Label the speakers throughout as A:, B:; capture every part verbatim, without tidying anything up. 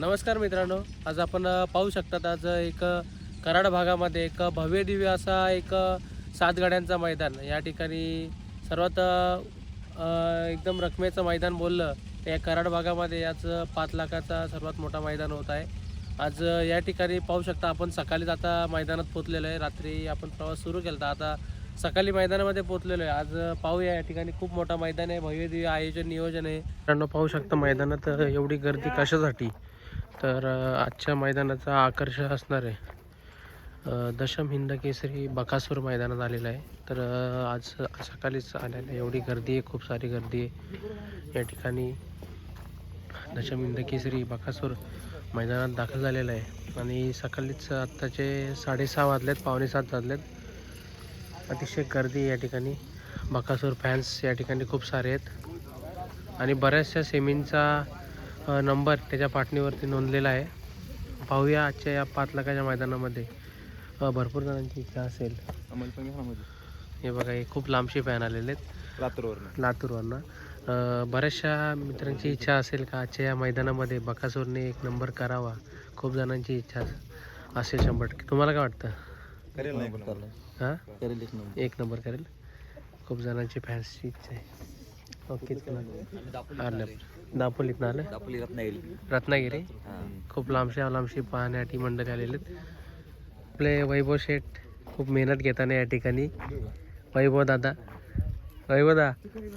A: नमस्कार मित्रांनो, आज आपण अ, पाहू शकतात आज एक अ, कराड भागामध्ये एक भव्य दिव्य असा एक अ, सात गाड्यांचा मैदान या ठिकाणी सर्वात अ, अ, एकदम रकमेचं मैदान बोललं तर या कराड भागामध्ये आज अ, पाच लाखाचा सर्वात मोठा मैदान होत आहे. आज अ, या ठिकाणी पाहू शकता आपण सकाळीच आता मैदानात पोचलेलो आहे. रात्री आपण प्रवास सुरू केला आता सकाळी मैदानामध्ये पोचलेलो आहे. आज अ, पाहूया या ठिकाणी खूप मोठा मैदान आहे, भव्य दिव्य आयोजन नियोजन आहे. मित्रांनो पाहू शकता मैदानात अ, एवढी गर्दी कशासाठी तर अ, आजच्या मैदानाचा आकर्षण असणार आहे अ, दशम हिंद केसरी बकासूर मैदानात आलेला आहे. तर अ, आज सकाळीच आलेलं आहे, एवढी गर्दी आहे, खूप सारी गर्दी आहे या ठिकाणी. दशम हिंद केसरी बकासूर मैदानात दाखल झालेला आहे आणि सकाळीच आत्ताचे साडेसहा वाजलेत, पावणे सात वाजलेत. अतिशय गर्दी या ठिकाणी. बकासूर फॅन्स या ठिकाणी खूप सारे आहेत आणि बऱ्याचशा सेमींचा अ, नंबर त्याच्या पाठणीवरती नोंदलेला आहे. पाहूया आजच्या या पाच लाखाच्या मैदानामध्ये अ, भरपूर जणांची इच्छा असेल. हे बघा, हे खूप लांबचे फॅन आलेले आहेत
B: लातूरवरनं
A: लातूरवरनं. अ, बऱ्याचशा मित्रांची इच्छा असेल का आजच्या या मैदानामध्ये बकासूरने एक नंबर करावा. खूप जणांची इच्छा असेल शंभर टक्के. तुम्हाला काय वाटतं?
B: करेल नाही
A: हां,
B: करेल एक नंबर.
A: एक नंबर करेल. खूप जणांची फॅन्सची इच्छा आहे. ओके, आलं दापोलीत ना आलं
B: दापोली रत्नागिरी
A: रत्नागिरी. खूप लांबशा लांबशी पाहण्यासाठी मंडळी आलेले आहेत. आपले वैभव शेठ खूप मेहनत घेताना या ठिकाणी. वैभव दादा वैभव दा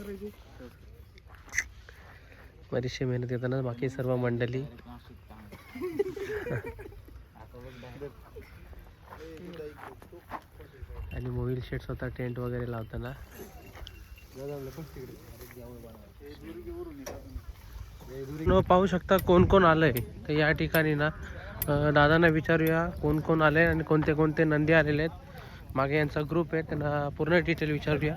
A: बरीचशी मेहनत घेताना बाकी सर्व मंडळी. आणि मोबाईल शेट स्वतः टेंट वगैरे लावताना. न पाहू शकता कोण कोण आलंय तर या ठिकाणी ना अ, दादांना विचारूया कोण कोण आले आणि कोणते कोणते नंदी आलेले आहेत. मागे यांचा ग्रुप आहे, त्यांना पूर्ण डिटेल विचारूया.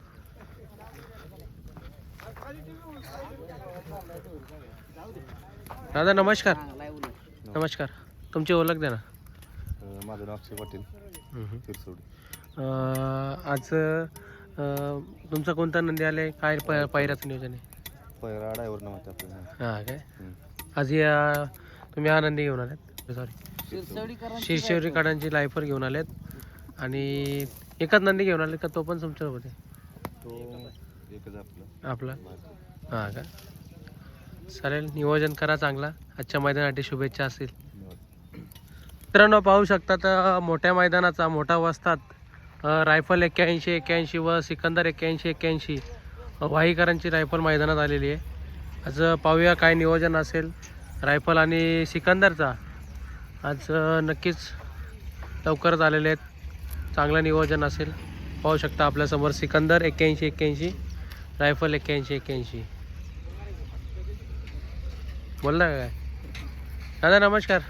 A: दादा नमस्कार. नमस्कार, तुमची ओळख द्या ना.
B: माझं नाव अक्षय पाटील
A: हम्म.
B: तिरसोडी.
A: अ, आज अ, तुमचा कोणता नंदी आले, काय प पायऱ्याचं नियोजन आहे?
B: पहिला ड्रायव्हर नव्हता आपल्याला.
A: हां काय, आज या तुम्ही आनंदी घेऊन आलेत, सॉरी शिरशिवरी काढांची लायफर घेऊन आलेत आणि एकच नंदी घेऊन आले का तो पण तुमच्यासोबत आहे?
B: तो एकच आपलं
A: आपला हां का. चालेल, नियोजन करा चांगला. आजच्या मैदानासाठी शुभेच्छा असतील. मित्रांनो पाहू शकता तर मोठ्या मैदानाचा मोठा वस्तात रायफल एक्क्याऐंशी एक्क्याऐंशी व सिकंदर एक्क्याऐंशी एक्क्याऐंशी वाहीकरांची रायफल मैदानात आलेली आहे. आज पाहूया काय नियोजन असेल रायफल आणि सिकंदरचा. आज नक्कीच लवकरच आलेले आहेत, चांगलं नियोजन असेल. पाहू शकता आपल्यासमोर सिकंदर एक्क्याऐंशी एक्क्याऐंशी रायफल एक्क्याऐंशी एक्क्याऐंशी. बोलला काय दादा? नमस्कार.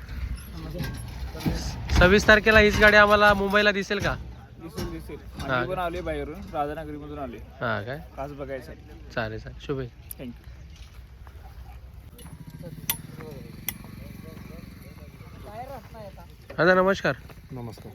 A: सव्वीस तारखेला हीच गाडी आम्हाला मुंबईला दिसेल का?
C: दिसेल दिसेल.
A: हा.
C: आम्ही पण आले बाहेरून, राधानगरीमधून आले
A: हां काय,
C: खास बघायसाठी.
A: चालेल चालेल, शुभेच्छा.
C: थँक्यू.
A: दादा नमस्कार.
B: नमस्कार.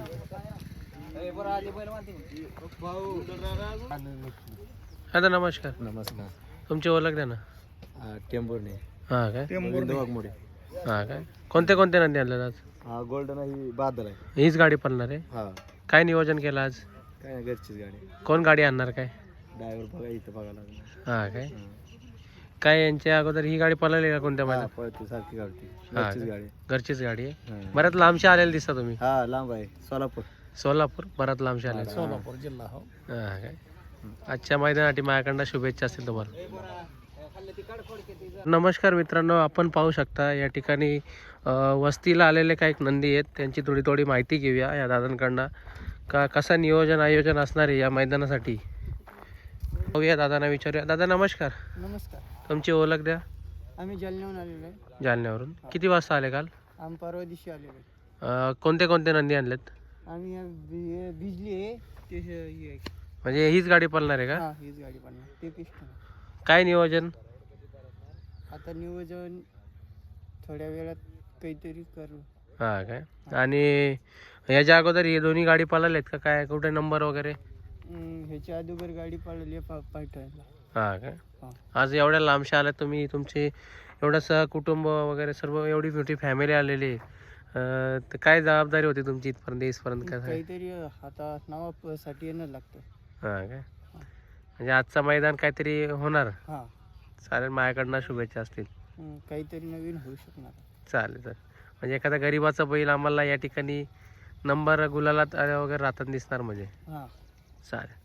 A: दादा नमस्कार,
B: नमस्कार.
A: तुमची ओळख द्या ना.
B: टेंबुर्णी
A: हां काय,
B: वाघमोडे.
A: हां काय, कोणते कोणते नंदी आणले आज?
B: हा गोल्डन ही बादल आहे.
A: हीच गाडी पळणार आहे.
B: हा
A: काय नियोजन केलं आज?
B: काय नाही, घरचीच गाडी.
A: कोण गाडी आणणार काय?
B: ड्रायव्हर बघा इथं बघा लागला.
A: हां काय, काय यांच्या अगोदर ही गाडी पळाली का कोणत्या
B: हा,
A: महिन्यात?
B: पळते सारखी गाडी.
A: हा.
B: घरचीच गाडी.
A: घरचीच गाडी आहे.
B: हा.
A: बऱ्याच लांबशी आलेले दिसता तुम्ही.
B: हा लांब आहे, सोलापूर.
A: सोलापूर बऱ्याच लांबशी आले.
B: सोलापूर
C: जिल्हा हो.
A: हां काय, आजच्या मैदानासाठी माझ्याकडनं शुभेच्छा असतील तुम्हाला. नमस्कार मित्रांनो, आपण पाहू शकता या ठिकाणी अ, वस्तीला आलेले काही नंदी आहेत, त्यांची थोडी थोडी माहिती घेऊया या दादांकडनं का कसं नियोजन आयोजन असणार आहे या मैदानासाठी. पाहूया, दादांना विचारूया. दादा नमस्कार,
C: नमस्कार.
A: तुमची ओळख द्या.
C: आम्ही जालन्याहून आलेलो आहे.
A: जालन्यावरून. किती वाजता आले काल?
C: आम्ही परवा दिवशी आलेलो आहे.
A: अ, कोणते कोणते नंदी आणलेत?
C: आम्ही या बि- बिजली आहे ते हे हे आहे.
A: म्हणजे हीच गाडी पळणार आहे का?
C: हा हीच गाडी पण ते पिस्टन.
A: काय नियोजन?
C: आता नियोजन थोड्या वेळात काहीतरी करू.
A: हां काय, आणि याच्या अगोदर हे दोन्ही गाडी पळालेत का काय? कुठे नंबर वगैरे?
C: हम्म, ह्याच्या अगोदर गाडी पळाली आहे पा पाठवायला.
A: हां काय,
C: हा.
A: आज एवढ्या लांबशा आल्या तुम्ही, तुमची एवढं सह कुटुंब वगैरे सर्व एवढी मोठी फॅमिली आलेली आहे. अं, तर काय जबाबदारी होती तुमची इथपर्यंत येईपर्यंत काय सांगा?
C: काहीतरी आता नावासाठी येणं लागतं.
A: हां काय म्हणजे आजचं मैदान काहीतरी होणार.
C: हां.
A: चालेल, माझ्याकडनं शुभेच्छा असतील.
C: हं, काहीतरी नवीन होऊ शकणार.
A: चालेल चालेल. म्हणजे एखादा गरीबाचा बैल आम्हाला या ठिकाणी नंबर गुलालात वगैरे राहतात दिसणार म्हणजे.
C: हां.
A: चालेल.